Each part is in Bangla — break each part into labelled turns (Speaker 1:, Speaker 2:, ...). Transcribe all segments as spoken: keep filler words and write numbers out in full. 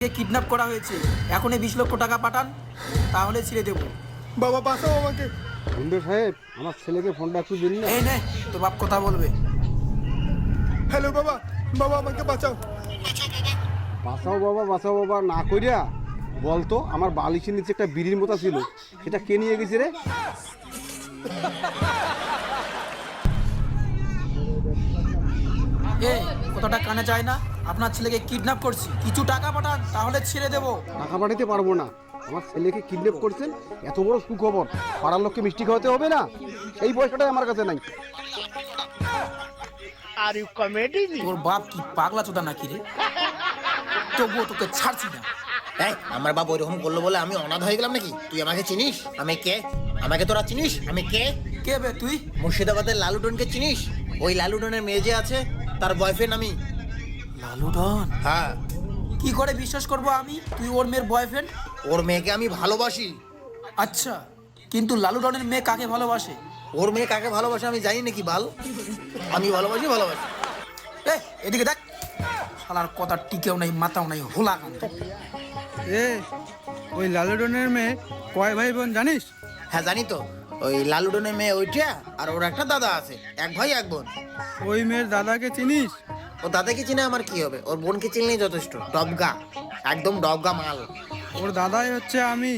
Speaker 1: কিডন্যাপ করা হয়েছে, এখনই বিশ লক্ষ টাকা পাঠান, তাহলে ছেড়ে দেবো।
Speaker 2: বাবা বাঁচাও আমাকে।
Speaker 3: গুন্ডে সাহেব, আমার ছেলেকে ফোনটা একটু দিন না।
Speaker 1: এই নে, তোর বাপ কথা বলবে।
Speaker 2: হ্যালো বাবা, বাবা আমাকে বাঁচাও।
Speaker 3: বাঁচাও বাবা, বাঁচাও বাবা না কইরা বলতো আমার বালিশের নিচে একটা বিড়ির মতো ছিল, সেটা কে নিয়ে গেছে রে?
Speaker 1: এ কথাটা কানে যায় না? আপনার ছেলেকে কিডন্যাপ করছি, কিছু টাকা পাঠান, তাহলে ছেড়ে দেবো।
Speaker 3: টাকা পাঠাতে পারবো না। আমার ছেলেকে কিডন্যাপ করছেন, এত বড় সুখবর, পাড়ার লোককে মিষ্টি খাওয়াতে হবে না? সেই পয়সাটাই আমার কাছে নাই।
Speaker 4: Are you comedy?
Speaker 1: তোর বাপ কি পাগলা চোদা নাকি রে? তবুও তোকে ছাড়ছি না।
Speaker 4: এই আমার বাবা ওইরকম করলো বলে আমি অনাথ হয়ে গেলাম নাকি? তুই আমাকে চিনিস? আমি কে? আমাকে তোরা চিনিস? আমি কে?
Speaker 1: কে বে তুই?
Speaker 4: মুর্শিদাবাদের লালুডনকে চিনিস? ওই লালুডনের মেয়ে যে আছে, তার বয়ফ্রেন্ড আমি।
Speaker 1: লালু ডন?
Speaker 4: হ্যাঁ।
Speaker 1: কি করে বিশ্বাস করবো আমি তুই ওর মেয়ের বয়ফ্রেন্ড?
Speaker 4: ওর মেয়েকে আমি ভালোবাসি।
Speaker 1: আচ্ছা, কিন্তু লালু ডনের মেয়ে কাকে ভালোবাসে?
Speaker 4: ওর মেয়ে কাকে ভালোবাসে আমি জানি নাকি বাল? আমি ভালোবাসি ভালোবাসি
Speaker 1: এ এদিকে দেখ, শালার কথা টিকেও নাই, মাথাও নাই, হোলা কান।
Speaker 5: এ ওই লালুডনের মেয়ে কয় ভাই বোন জানিস?
Speaker 4: হ্যাঁ জানি তো। ওই লালুডনের মেয়ে ওইটা, আর ওর একটা দাদা আছে, এক ভাই এক বোন।
Speaker 5: ওই মেয়ের দাদাকে চিনিস?
Speaker 4: ও দাদাকে চিনে আমার কি হবে? ওর বোনকে চিনলেই যথেষ্ট। ডবগা, একদম ডবগা মাল।
Speaker 5: ওর দাদাই হচ্ছে আমি।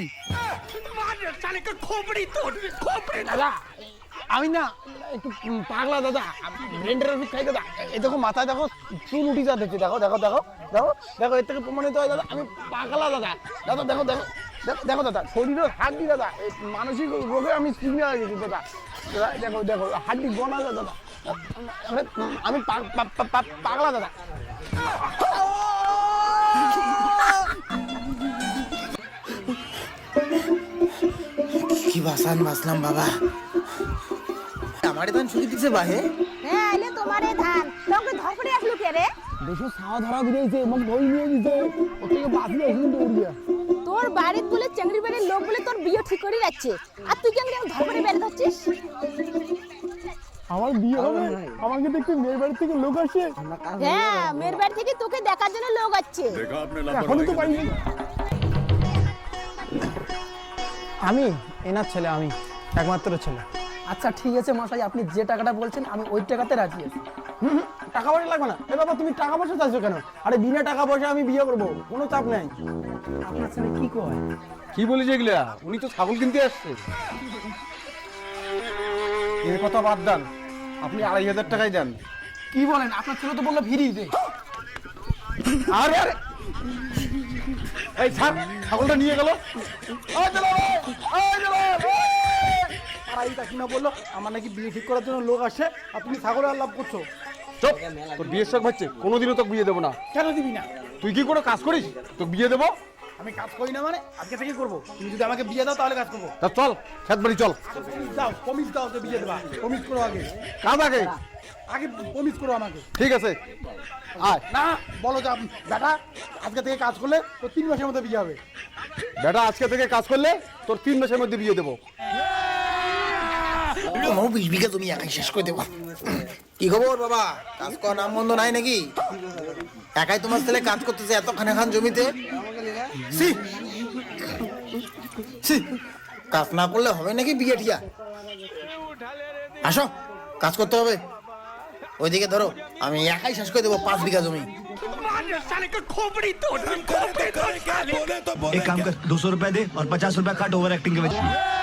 Speaker 6: দাদা আমি না একটু পাগলা দাদা, ব্রেন্ডের ওষুধ খাই দাদা। এই দেখো মাথায় দেখো চুল উঠি যাচ্ছে, দেখো দেখো দেখো দেখো দেখো, এর থেকে প্রমাণিত হয় দাদা আমি পাগলা দাদা। দাদা দেখো দেখো দেখো দেখো দাদা, শরীরের হাড্ডি দাদা, এই মানসিক রোগে আমি সিগন্যাল হয়ে গেছি দাদা। দাদা দেখো দেখো হাড্ডি গোনা যায় দাদা, আমি পা- পা- পা- পা- পাগলা দাদা।
Speaker 4: কি বাসান বাসলাম বাবা। আমারে ধান ছুটি দিছে বাহে।
Speaker 7: হ্যাঁ এলে তোমারে ধান তোকে ধরপড়ে আসলো কে রে?
Speaker 6: দেশে ছাওয়া ধরা দিয়েছে, মোক ধরে নিয়ে দিছে, ওর থেকে বাঁচলে এসে দৌড় গিয়া।
Speaker 7: তোর বাড়ির বলে চেংড়ি বাড়ির লোক বলে তোর বিয়ে ঠিক করে যাচ্ছে, আর তুই কেন ধরপড়ে বের হচ্ছিস?
Speaker 6: আমার বিয়ে হবে, আমাকে দেখতে মেয়ের বাড়ি থেকে লোক আসে।
Speaker 7: হ্যাঁ মেয়ের বাড়ি থেকে তোকে দেখার জন্য লোক আসছে।
Speaker 6: এখনই তো পাইনি। আমি এনার ছেলে, আমি একমাত্র ছেলে।
Speaker 8: আচ্ছা ঠিক আছে মশাই, আপনি যে টাকাটা বলছেন আমি ওই টাকাতে রাজি আছি।
Speaker 6: হুম হুম, টাকা পয়সা লাগবে না। এ বাবা তুমি টাকা পয়সা চাইছো কেন? আরে বিনা টাকা পয়সা আমি বিয়ে করবো, কোনো চাপ নেই।
Speaker 8: আপনার ছেলে কি কয়?
Speaker 3: কি বলিস এগুলা? উনি তো ছাগল কিনতে আসছে। এর কথা বাদ দেন, আপনি আড়াই হাজার টাকাই দেন।
Speaker 8: কি বলেন? আপনার ছেলে তো বললো ফিরি দে।
Speaker 3: আরে আরে এই ছাগ, ছাগলটা নিয়ে গেল।
Speaker 5: আড়াইটা কিনা বললো আমার নাকি বিয়ে ঠিক করার জন্য লোক আসে, আর তুমি ছাগলের আলাপ করছো।
Speaker 3: চুপ, তোর বিয়ের শখ হচ্ছে, কোনোদিনও তোকে বিয়ে দেবো না।
Speaker 5: কেন দিবি না?
Speaker 3: তুই কি করে কাজ করিস? তোকে বিয়ে দেবো?
Speaker 5: আমি কাজ করি না মানে আজকে থেকে করবো। তুমি যদি আমাকে বিয়ে দাও তাহলে কাজ করবো।
Speaker 3: তা চল, খেত বাড়ি চল।
Speaker 5: প্রমিস দাও, প্রমিস দাও যে বিয়ে দেবা। প্রমিস করো আগে,
Speaker 3: কাজ আগে।
Speaker 5: আগে প্রমিস করো আমাকে।
Speaker 3: ঠিক আছে, আয়।
Speaker 5: না বলো যে আপ- বেটা আজকে থেকে কাজ করলে তো তিন মাসের মধ্যে বিয়ে হবে।
Speaker 3: বেটা আজকে থেকে কাজ করলে তোর তিন মাসের মধ্যে বিয়ে দেবো।
Speaker 4: আমার বিশ বিঘা তুমি একাই শেষ করে দেবো। কি খবর বাবা? কাজ করার নাম বন্ধ নাই নাকি? একাই তোমার ছেলে কাজ করতেছে এত খানে খান জমিতে। ছি! ছি! কাজ না করলে হবে নাকি বিয়ে ঠিয়া? আসো, কাজ করতে হবে। ওইদিকে ধরো, আমি একাই শেষ করে দেবো পাঁচ বিঘা জমি।
Speaker 9: एक काम कर दो सौ रुपए दे और पचास रुपए काट ओवर एक्टिंग के वजह।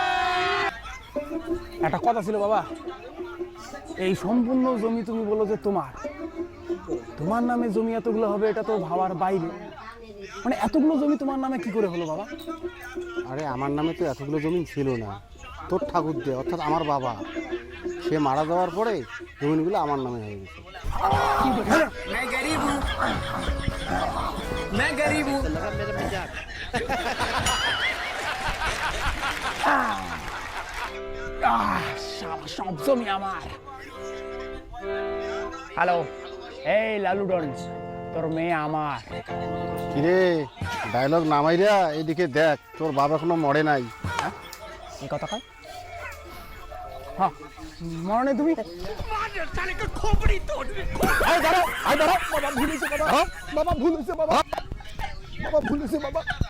Speaker 6: একটা কথা ছিল বাবা, এই সম্পূর্ণ জমি তুমি বলো যে তোমার, তোমার নামে জমি এতগুলো হবে এটা তো ভাবার বাইরে। মানে এতগুলো জমি তোমার নামে কি করে হলো বাবা?
Speaker 3: আরে আমার নামে তো এতগুলো জমি ছিল না, তোর ঠাকুর দে অর্থাৎ আমার বাবা, সে মারা যাওয়ার পরে জমিগুলো আমার নামে হয়ে গেছে।
Speaker 6: আহ, সব সব জমি আমার। হ্যালো, এই লালুডন, তোর মেয়ে আমার।
Speaker 3: কিরে ডায়লগ নামাইরা এদিকে দেখ, তোর বাবা এখনো মরে নাই।
Speaker 6: এই কথা কয়? হ্যাঁ মরণে তুমি আয় দাঁড়াও, আয় দাঁড়াও। বাবা ভুল হয়েছে বাবা, বাবা ভুল হয়েছে বাবা।
Speaker 2: বাবা ভুল হয়েছে বাবা